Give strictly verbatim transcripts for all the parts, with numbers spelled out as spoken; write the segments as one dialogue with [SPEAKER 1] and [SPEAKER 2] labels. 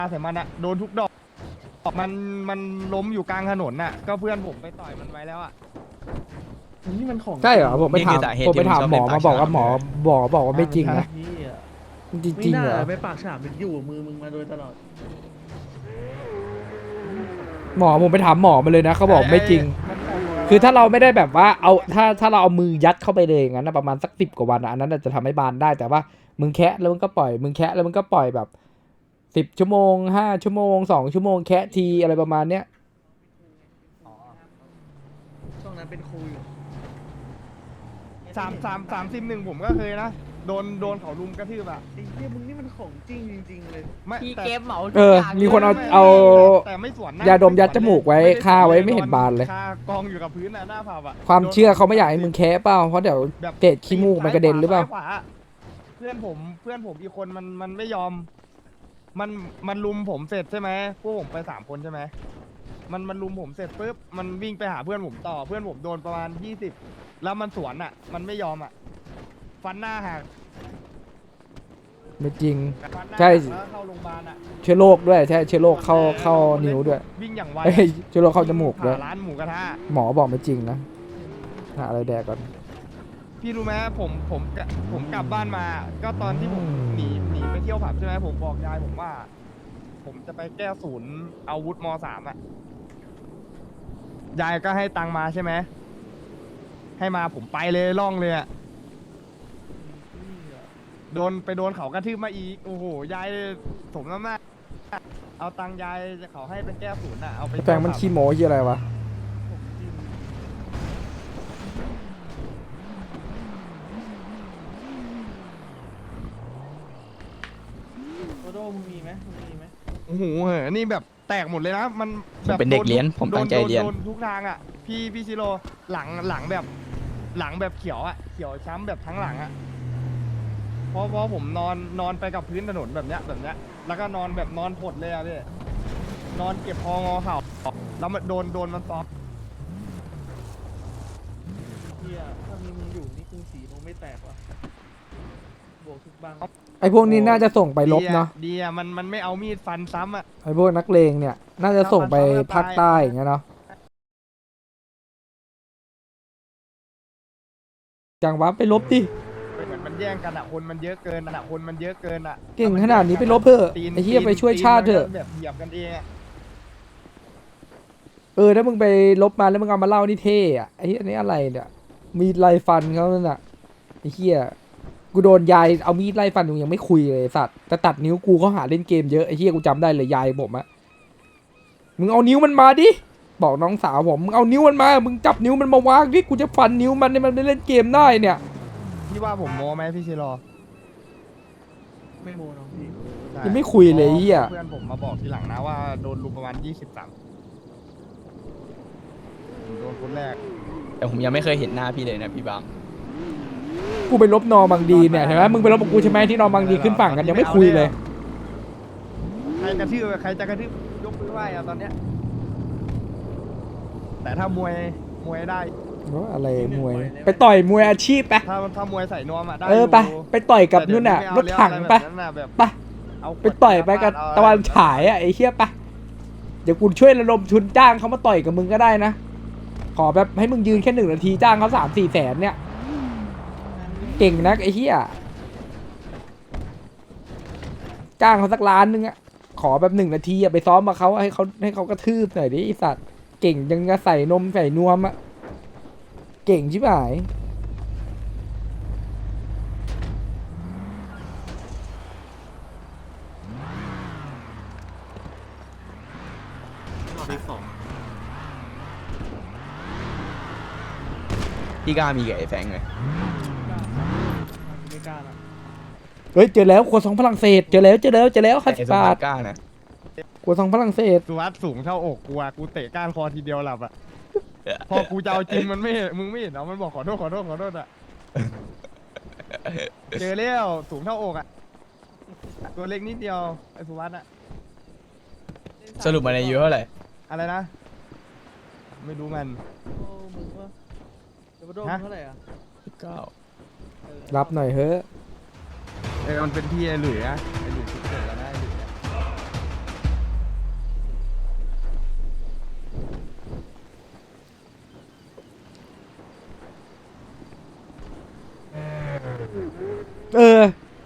[SPEAKER 1] ใส่มันอะโดนทุกดอกมันมันล้มอยู่กลางถนนน่ะก็เพื่อนผมไปต่อยมันไว้แล้วอะนี่มันของ
[SPEAKER 2] ใช่เหรอผมไปถามผมไปถามหมอมาบอกว่าหมอบอกบอกว่าไม่จริงนะจริงจริงเหรอ
[SPEAKER 3] ไปปากฉลามเป็นอยู่มือมึงมาโดยตลอด
[SPEAKER 2] หมอผมไปถามหมอมาเลยนะเขาบอกไม่จริง คือถ้าเราไม่ได้แบบว่าเอาถ้าถ้าเราเอามือยัดเข้าไปเลยอย่างนั้นนะประมาณสักสิบกว่าวันอะอันนั้นจะทำให้บานได้แต่ว่ามึงแคะแล้วมึงก็ปล่อยมึงแคะแล้วมึงก็ปล่อยแบบสิบชั่วโมงห้าชั่วโมงสองชั่วโมงแคะทีอะไรประมาณเนี้ย
[SPEAKER 3] ช่วงนั้นเป็นครูอยู่
[SPEAKER 1] สามสามสามสิบหนึ่งผมก็เคยนะโดนโดนเขาลุมกระทืบอะ
[SPEAKER 3] ไอ้เหี้ยมึงนี่มันของจริงจริงๆเลย
[SPEAKER 1] ไม่
[SPEAKER 4] พี่
[SPEAKER 1] แต่
[SPEAKER 4] เกมเหมา
[SPEAKER 2] เออมีคนเอา
[SPEAKER 1] ไม่
[SPEAKER 2] เอา
[SPEAKER 1] แต่ไม่สวนนะ
[SPEAKER 2] ยาดมยัดจมูกไว้คาไว้ไม่เห็นบานเลย
[SPEAKER 1] คากองอยู่กับพื้นน่ะหน้าผับอะ
[SPEAKER 2] ความเชื่อเขาไม่อยากให้มึงแคะเปล่าเพราะเดี๋ยว
[SPEAKER 1] แบบ
[SPEAKER 2] เศษขี้มูกมันกระเด็นหรือเปล่า
[SPEAKER 1] ซ้ยขวเพื่อนผมเพื่อนผมอีกคนมันมันไม่ยอม มันมันลุมผมเสร็จใช่ไหมพวกผมไปสามคนใช่ไหมมันมันลุมผมเสร็จปุ๊บมันวิ่งไปหาเพื่อนผมต่อเพื่อนผมโดนประมาณยี่สิบแล้วมันสวนอ่ะ มันไม่ยอมอ่ะ ฟันหน้าหัก
[SPEAKER 2] ไม่จริง
[SPEAKER 1] ฟันหน้า
[SPEAKER 2] ใช่
[SPEAKER 1] หักแล้วเข้าโรงพยาบาลอ่ะ
[SPEAKER 2] เชื้อโรคด้วยใช่เชื้อโรคเข้าเข้านิ้วด้วย
[SPEAKER 1] วิ่งอย่างไว
[SPEAKER 2] เอ้ยเชื้อโรคเข้าจมูกด้วย
[SPEAKER 1] ผ่าร้านหมูกระทะ
[SPEAKER 2] หมอบอกไม่จริงนะหาอะไรแดกก่อน
[SPEAKER 1] พี่รู้ไหมผมผมกะผมกลับบ้านมา ก็ตอนที่ผมหนีหนีไปเที่ยวผับใช่ไหมผมบอกยายผมว่า ผมจะไปแก้ศูนย์อาวุธมสามอ่ะยายก็ให้ตังค์มาใช่ไหมให้มาผมไปเลยล่องเลยอ่ะโดนไปโดนเขากระทืบมาอีกโอ้โหยายสมน้ำหน้าเอาตังค์ยายเขาให้ไปแก้ศูนย์อ่ะเอาไป
[SPEAKER 2] แฟงมันขี้โม้ยี่อะไรวะ
[SPEAKER 3] โตโต้มึงมีไหมมึงมีไหม
[SPEAKER 1] โอ้โหเหอะนี่แบบแตกหมดเลยนะมัน
[SPEAKER 5] ผมเป็นเด็กเรียนผมตั้งใจเรียน
[SPEAKER 1] โดนทุกทางอ่ะพี่พี่ชิโร่หลังหลังแบบหลังแบบเขียวอ่ะเขียวช้ำแบบทั้งหลังอ่ะเพราะเพราะผมนอนนอนไปกับพื้นถนนแบบเนี้ยแบบเนี้ยแล้วก็นอนแบบนอนผดเลยอ่ะพี่นอนเก็บคองอเข่าแล้วมันโดนโดนมันซ้อม
[SPEAKER 3] เหี้ยถ้ามีมึงอยู่นี่กรุงศรีคงไม่แตกว่ะบวกทุกบัง
[SPEAKER 2] ไอพวกนี้น่าจะส่งไปลบเนาะ
[SPEAKER 1] ดีอ่ะมันมันไม่เอามีดฟันซ้ำอ่ะ
[SPEAKER 2] ไอพวกนักเลงเนี่ย น่าจะส่งไปภาคใต้อย่างเงี้ยเนาะจังหวะไปลบดิ
[SPEAKER 1] เหมือนมันแย่งกันอ่ะคนมันเยอะเกินอ่ะคนมันเยอะเกินอ่ะ
[SPEAKER 2] เก่งขนาดนี้ไปลบเถอะ
[SPEAKER 1] ตีน
[SPEAKER 2] ไอ้เหี้ยไปช่วยชาติเถอะ
[SPEAKER 1] แบบเหยียบกันเองอ่ะ
[SPEAKER 2] เออถ้ามึงไปลบมาแล้วมึงเอามาเล่านี่เท่อะไอ้เหี้ยอันนี้อะไรเนี่ยมีดไล่ฟันเขานั่นน่ะไอ้เหี้ยกูโดนยายเอามีดไล่ฟันกูยังไม่คุยเลยสัตว์แต่ตัดนิ้วกูเขาหาเล่นเกมเยอะไอ้เหี้ยกูจำได้เลยยายผมอะมึงเอานิ้วมันมาดิบอกน้องสาวผมมึงเอานิ้วมันมามึงจับนิ้วมันมาวางดิกูจะฟันนิ้วมันให้มันได้เล่นเกมได้เนี่ย
[SPEAKER 1] พี่ว่าผมโม้ไหมพี่ชิโร่
[SPEAKER 3] ไม่โมน้องพี่
[SPEAKER 1] ใช่
[SPEAKER 2] ยังไม่คุยเลยไอ้เหี้ย
[SPEAKER 1] เพื่อนผมมาบอกทีหลังนะว่าโดนลุมประมาณยี่สิบสามโดนคนแรก
[SPEAKER 5] แต่ผมยังไม่เคยเห็นหน้าพี่เลยนะพี่บาง
[SPEAKER 2] กูไปลบนอบางดีเนี่ยเห็นไหมมึงไปลบกับกูใช่ไหมที่นอบางดีขึ้นฝั่งกันยังไม่คุยเลย
[SPEAKER 1] ใครกระทืบใครจะกระทืบยกมือไหว้อะตอนเนี้ยแต่ถ้ามวยมวยได้
[SPEAKER 2] ว่าอะไรมวย ไปต่อยมวยอาชีพไป
[SPEAKER 1] ถ้าถ้ามวยใส่นวมอะได้
[SPEAKER 2] เออไป
[SPEAKER 1] ยู่
[SPEAKER 2] ไปต่อยกับ
[SPEAKER 1] แต่เดี๋
[SPEAKER 2] นู่
[SPEAKER 1] ย
[SPEAKER 2] นน่ะ
[SPEAKER 1] ม่
[SPEAKER 2] ร
[SPEAKER 1] เอา
[SPEAKER 2] ถ
[SPEAKER 1] แล้ว
[SPEAKER 2] ถัง
[SPEAKER 1] อะไร
[SPEAKER 2] ไป
[SPEAKER 1] แบบนั้นน่ะแบบ
[SPEAKER 2] ไป
[SPEAKER 1] เอาขวด
[SPEAKER 2] ไปต่อยไปกับ
[SPEAKER 1] เอา
[SPEAKER 2] ตะวัน
[SPEAKER 1] อะไร
[SPEAKER 2] ฉายอ่ะไอ้เหี้ยไปเดี๋ยวกูช่วยระดมทุนจ้างเขามาต่อยกับมึงก็ได้นะ ขอแบบให้มึงยืนแค่หนึ่งนาทีจ้างเขาสามสี่แสนเนี่ย เก่งนักไอ้เหี้ยจ้างเขาสักล้านนึงอะขอแบบหนึ่งนาทีอะไปซ้อมมาเขาให้เขาให้เขากระทืบหน่อยดิไอ้สัตว์เก่งยังจะใส่นมใส่นวมอะเก่งชิบหาย
[SPEAKER 5] พี่กล้ามีกับไอ้แฟงเลย
[SPEAKER 3] ไม่กล้าละ
[SPEAKER 2] เฮ้ยเจอแล้วครัวซองฝรั่งเศสเจอแล้วเจอแล้วเจอแล้วห้า
[SPEAKER 5] ไอ้
[SPEAKER 2] สิบ
[SPEAKER 5] สม
[SPEAKER 2] บา
[SPEAKER 5] บั
[SPEAKER 2] ท
[SPEAKER 5] ติกล้านะ
[SPEAKER 2] ครัวซองฝรั่งเศส
[SPEAKER 1] สุวัสดสูงเท่าอกกูอะกูเตะก้านคอทีเดียวหลับอะพอกูจะเอาจริงมันไม่เห็นมึงไม่เห็นเหรอมันบอกขอโทษขอโทษขอโทษอะเจอแล้วสูงเท่าอกอะตัวเล็กนิดเดียวไอ้สุวัสดอะ
[SPEAKER 5] สรุปมาในอายุเท่าไหร่
[SPEAKER 1] อะไรนะ ไม่รู้มัน
[SPEAKER 3] โอ้มึงว่าเดี๋ยวโดน
[SPEAKER 1] ฮะ
[SPEAKER 3] เท่าไหร่อ่ะ
[SPEAKER 5] สิบเก้า
[SPEAKER 3] เออ
[SPEAKER 2] รับหน่อยเฮ้ย
[SPEAKER 1] เออมันเป็นพี่ไอ้หลุยอะไอ้หลุยสิบเจ็ดแล้วนะไอ้หลุยอะ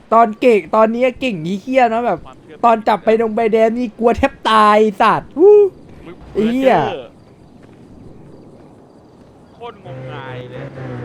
[SPEAKER 2] ตอนเก่งตอนนี้เก่งยี่เฮี้ยเนาะแบบ ตอนจับไปดงใบแดงนี่กลัวแทบตายสัตว์วู้ ไอ้เหี้ย
[SPEAKER 4] โคตรงมงายเลย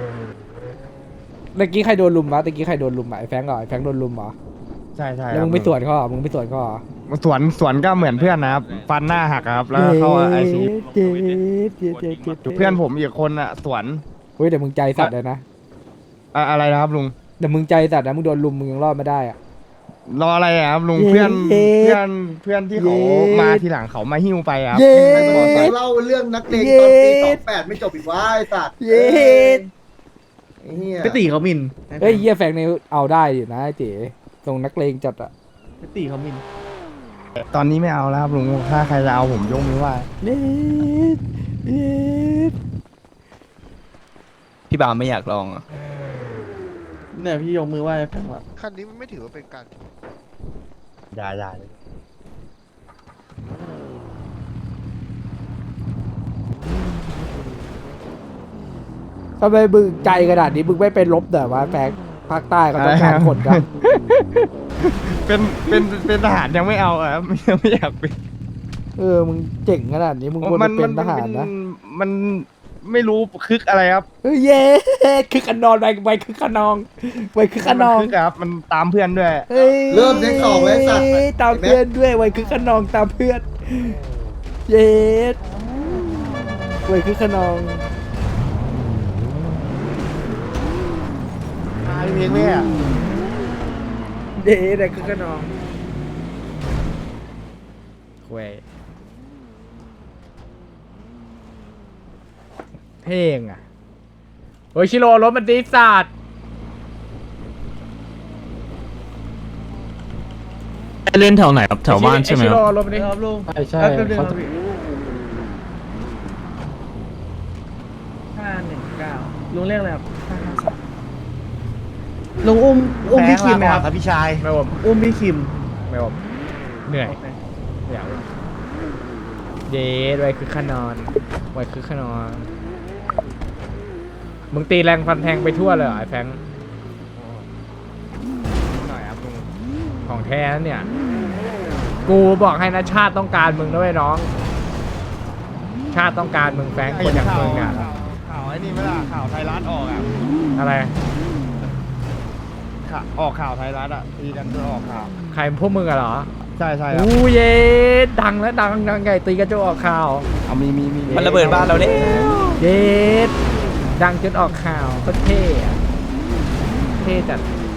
[SPEAKER 2] ตะกี้ใครโดนลุมวะตะกี้ใครโดนลุมอ่ะไอ้แฟงเหรอไอ้แฟงโดนลุมเหรอ
[SPEAKER 1] ใช่ใช่
[SPEAKER 2] แล้วมึงไม่สวนเขาเหรอมึงไม่สวนเขาเหรอ
[SPEAKER 1] สวนสวนก็เหมือนเพื่อนนะครับ ฟันหน้าหักครับ แล้วเข้าไอซี
[SPEAKER 2] เจ็ดเจ็ดเจ็ดเจ็ดเจ็ดเจ็ด
[SPEAKER 1] เพื่อนผมอีกคนอ่ะ สวน
[SPEAKER 2] เฮ้ยเดี๋ยวมึงใจสัตว์เลยนะ
[SPEAKER 1] อะอะไรนะครับลุง
[SPEAKER 2] เดี๋ยวมึงใจสัตว์นะมึงโดนลุมมึงยังรอดไม่ได้อ่ะ
[SPEAKER 1] รออะไรอะครับลุง
[SPEAKER 2] เย้
[SPEAKER 1] เพื่อนเพื่อนเพื่อนที่เขา
[SPEAKER 2] เย้
[SPEAKER 1] มาทีหลังเขามาหิ้วไปครับ
[SPEAKER 2] เย้
[SPEAKER 1] ให้มาบอกใส่
[SPEAKER 6] เล่าเรื่องนักเลงตอนปีสองแปดไม่จบอีกว่าไอ้สัตว์
[SPEAKER 2] เย็ด
[SPEAKER 6] ไอ้เหี้ย
[SPEAKER 3] ไปตีเขามิน
[SPEAKER 2] เฮ้ยเยี่ยแฟงในเอาได้อยู่นะไอ้เจ๋ส่งนักเลงจัดอ่ะ
[SPEAKER 3] ไปตีเขามิน
[SPEAKER 1] ตอนนี้ไม่เอาแล้วครับลุงถ้าใครจะเอาผมยกมือไหว้
[SPEAKER 2] เย็ดเย็ด
[SPEAKER 5] พี่บามไม่อยากลองอ่ะ
[SPEAKER 3] เนี่ยพี่ยกมือไหว้แฟนว่า
[SPEAKER 7] คันนี้มันไม่ถือว่าเป็นการ
[SPEAKER 1] อย่าอย่าเลย
[SPEAKER 2] ทำไมมึงใจขนาดนี้มึงไม่ไปลบเดี๋ยววะแฟงภาคใต้เขาต้องการคนกัน
[SPEAKER 1] เป็นเป็นเป็นทหารยังไม่เอาอะครับ ยังไม่อยากเป็น
[SPEAKER 2] เออมึงเจ๋งขนาดนี้มึงควรไปเป็นทหารนะ
[SPEAKER 1] มันไม่รู้คึกอะไรครับ
[SPEAKER 2] เฮ้ยเย้คือขนองไปไปคือขนองไปคือขนอง
[SPEAKER 1] มัคึกครับ มันตามเพื่อนด้วย
[SPEAKER 2] เฮ้ย
[SPEAKER 6] เริ่มเช็คสองแล้วไอ้สัตว์
[SPEAKER 2] ตามเพื่อนด้วยไว้คือขนองตามเพื่อน เย็ดไว้คือขนอง
[SPEAKER 1] ตายเพลงแม่
[SPEAKER 2] เย็ดไว้คือขนองเว้ยเพลงอ่ะโอ้ยชิโร่รถมันดีสัตว์
[SPEAKER 8] เล่นแถวไหนครับแถวบ้านใช่ไหม
[SPEAKER 2] ชิ
[SPEAKER 8] ค
[SPEAKER 2] โร่
[SPEAKER 8] รับ
[SPEAKER 2] รถมันดี
[SPEAKER 3] ครับลุง
[SPEAKER 2] ใช่ใช่
[SPEAKER 3] แป๊บนึง
[SPEAKER 2] เขา
[SPEAKER 3] ครับพี่ห้าหนึ่งเก้าลุงเรียกอะไรครับห้าห้าสามลุงอุ้มอุ้มพี่คิมไหมครับ
[SPEAKER 1] ครับพี่ชาย
[SPEAKER 2] ไม่ผม
[SPEAKER 3] อุ้มพี่คิม
[SPEAKER 2] ไม่ผมเหนื่อย
[SPEAKER 3] โอเค
[SPEAKER 2] ไม่อยากเลยเย็ดไว้คือขนอนไว้คือขนอนมึงตีแรงฟันแทงไปทั่วเลยเหรอไอ้แฟง
[SPEAKER 1] หน่อยครับลุง
[SPEAKER 2] ของแท้นะเนี่ย กูบอกให้นะชาติต้องการมึงด้วยน้อง ชาติต้องการมึงแฟงคนอย่างมึงอ่ะ
[SPEAKER 1] ข่าวข่าวไอ้นี่ไม่ล่ะข่าวไทยรัฐออกอ่ะ
[SPEAKER 2] อะไร
[SPEAKER 1] ข่าวออกข่าวไทยรัฐอ่ะตีกันจนออกข่าว
[SPEAKER 2] ใครพวกมึงอะเหรอ
[SPEAKER 1] ใช่ใช่ครับ
[SPEAKER 2] อู้เย็ดดังแล้วดังดังใหญ่ตีกระโจกออกข่าว
[SPEAKER 1] เอามีมีมี
[SPEAKER 5] มันระเบิดบ้านเราเด้
[SPEAKER 2] เย็ดดังจนออกข่าวก็เท่อะเท่จัด